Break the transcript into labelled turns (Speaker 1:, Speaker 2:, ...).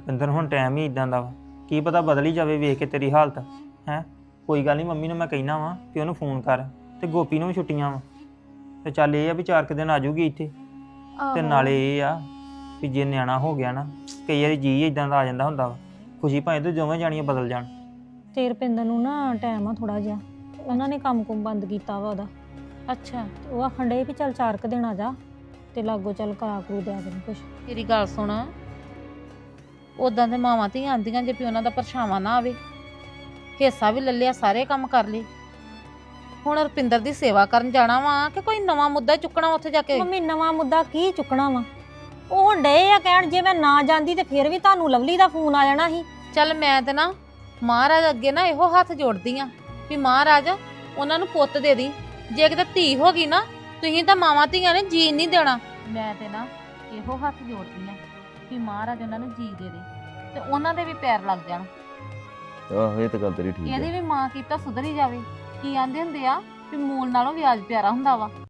Speaker 1: ਰੁਪਿੰਦਰ ਹੁਣ ਟਾਈਮ ਹੀ ਇਦਾਂ ਦਾ ਵਾ, ਕੀ ਪਤਾ ਬਦਲ ਹੀ ਜਾਵੇ ਵੇਖ ਕੇ ਤੇਰੀ ਹਾਲਤ ਹੈ। ਕੋਈ ਗੱਲ ਨਹੀਂ, ਮੰਮੀ ਨੂੰ ਮੈਂ ਕਹਿਣਾ ਵਾ ਕਿ ਉਹਨੂੰ ਫੋਨ ਕਰ, ਤੇ ਗੋਪੀ ਨੂੰ ਵੀ ਛੁੱਟੀਆਂ ਵਾ, ਤੇ ਚੱਲ ਇਹ ਆ ਵੀ 4 ਦਿਨ ਆ ਜਾਊਗੀ ਇੱਥੇ। ਤੇ ਨਾਲੇ ਇਹ ਆ ਵੀ ਜੇ ਨਿਆਣਾ ਹੋ ਗਿਆ ਨਾ, ਕਈ ਵਾਰੀ ਜੀ ਇਦਾਂ ਦਾ ਆ ਜਾਂਦਾ ਹੁੰਦਾ ਵਾ, ਖੁਸ਼ੀ ਭਾਵੇਂ ਤੇ ਦੋਵੇਂ ਜਾਣੀਆਂ ਬਦਲ ਜਾਣ।
Speaker 2: ਤੇ ਰੁਪਿੰਦਰ ਨੂੰ ਨਾ ਟਾਈਮ ਆ ਥੋੜਾ ਜਿਹਾ, ਉਹਨਾਂ ਨੇ ਕੰਮ ਬੰਦ ਕੀਤਾ ਵਾ ਉਹਦਾ।
Speaker 3: ਅੱਛਾ,
Speaker 2: ਉਹ ਆਖਣ ਡੇ ਵੀ ਚੱਲ 4 ਦਿਨ ਆ ਜਾ ਤੇ ਲਾਗੋ ਚੱਲ ਕਰਾ ਕਰੂ ਦਿਆ ਤੈਨੂੰ ਕੁਛ।
Speaker 3: ਤੇਰੀ ਗੱਲ ਸੁਣ, ਉਦਾਂ ਦੇ ਮਾਵਾਂ ਧੀਆਂ ਆਂਦੀਆਂ ਜੇ ਵੀ ਉਹਨਾਂ ਦਾ ਪਰਛਾਵਾਂ ਨਾ ਆਵੇ, ਹਿੱਸਾ ਵੀ ਲੈ ਲਿਆ, ਸਾਰੇ ਕੰਮ ਕਰ ਲਏ। ਹੁਣ ਰੁਪਿੰਦਰ ਦੀ ਸੇਵਾ ਕਰਨ ਜਾਣਾ ਵਾ ਕਿ ਕੋਈ ਨਵਾਂ ਮੁੱਦਾ ਚੁੱਕਣਾ ਉੱਥੇ ਜਾ ਕੇ?
Speaker 2: ਮੰਮੀ ਨਵਾਂ ਮੁੱਦਾ ਕੀ ਚੁੱਕਣਾ ਵਾ? ਉਹ ਹੁਣ ਡੇ ਆ ਕਹਿਣ ਜੇ ਮੈਂ ਨਾ ਜਾਂਦੀ ਤੇ ਫਿਰ ਵੀ ਤੁਹਾਨੂੰ ਲਵਲੀ ਦਾ ਫੋਨ ਆ ਜਾਣਾ ਸੀ।
Speaker 3: ਚੱਲ ਮੈਂ ਤੇ ਨਾ ਮਹਾਰਾਜ ਅੱਗੇ ਨਾ ਇਹੋ ਹੱਥ ਜੋੜਦੀ ਆ ਵੀ ਮਹਾਰਾਜ ਉਹਨਾਂ ਨੂੰ ਪੁੱਤ ਦੇ ਦੀ। ਜੇ ਕਿਤੇ ਧੀ ਹੋ ਗਈ ਨਾ, ਤੁਸੀਂ ਤਾਂ ਮਾਵਾਂ ਧੀਆਂ ਨੇ ਜੀਣ ਨਹੀਂ ਦੇਣਾ। ਮੈਂ ਤੇ ਨਾ ਇਹੋ ਹੱਥ ਜੋੜਦੀ ਆ ਵੀ ਮਹਾਰਾਜ ਉਹਨਾਂ ਨੂੰ ਜੀ ਦੇ ਦੇ ਤੇ ਉਹਨਾਂ ਦੇ ਵੀ ਪੈਰ ਲੱਗ ਜਾਣ।
Speaker 4: ਆਹੋ ਇਹ ਤਾਂ ਗੱਲ ਤੇਰੀ ਠੀਕ
Speaker 3: ਇਹਦੀ
Speaker 4: ਹੈ।
Speaker 3: ਵੀ ਮਾਂ ਕੀਤਾ ਸੁਧਰੀ ਜਾਵੇ। ਕੀ ਆਂਦੇ ਹੁੰਦੇ ਆ ਵੀ ਮੂਲ ਨਾਲੋਂ ਵਿਆਜ ਪਿਆਰਾ ਹੁੰਦਾ ਵਾ।